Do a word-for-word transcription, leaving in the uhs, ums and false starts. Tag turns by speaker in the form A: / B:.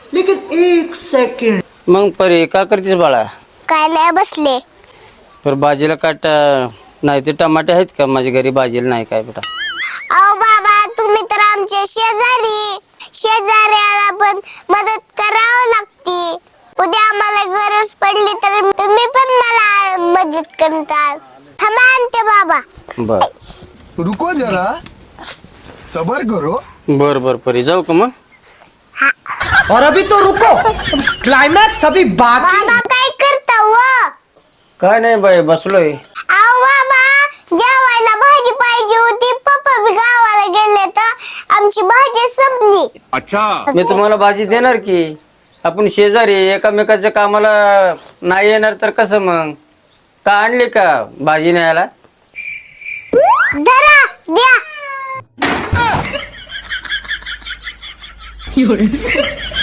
A: लेकिन एक सेकंड.
B: मग परी का करतेस बाळा?
C: काय नाही बसले.
B: तर भाजीला काट नाही ते टमाटे आहेत का? माझ्या घरी भाजीला नाही काय बेटा.
C: अहो बाबा तुम्ही तर आमचे शेजारी, शेजाऱ्याला पण मदत करावं लागते. उद्या आम्हाला गरज पडली तर तुम्ही पण मला मदत करताल. थांबा आणते बाबा.
B: बर
D: रुको जरा, सबर करो.
B: बर बर परी जाऊ का मग?
A: और अभी तो रुको, क्लाइमैक्स अभी बाकी.
C: बाबा काय करता व?
B: काय नाही बाई बसलोय.
C: अहो बाबा जेवायला भाजी पाहिजे होती. पप्पा बी गावाला गेले तर आमची भाजी संपली.
B: मी तुम्हाला भाजी देणार की. आपण शेजारी एकामेकाच्या कामाला नाही येणार तर कसं मग? का आणली का भाजी न्यायला?
C: धरा द्या.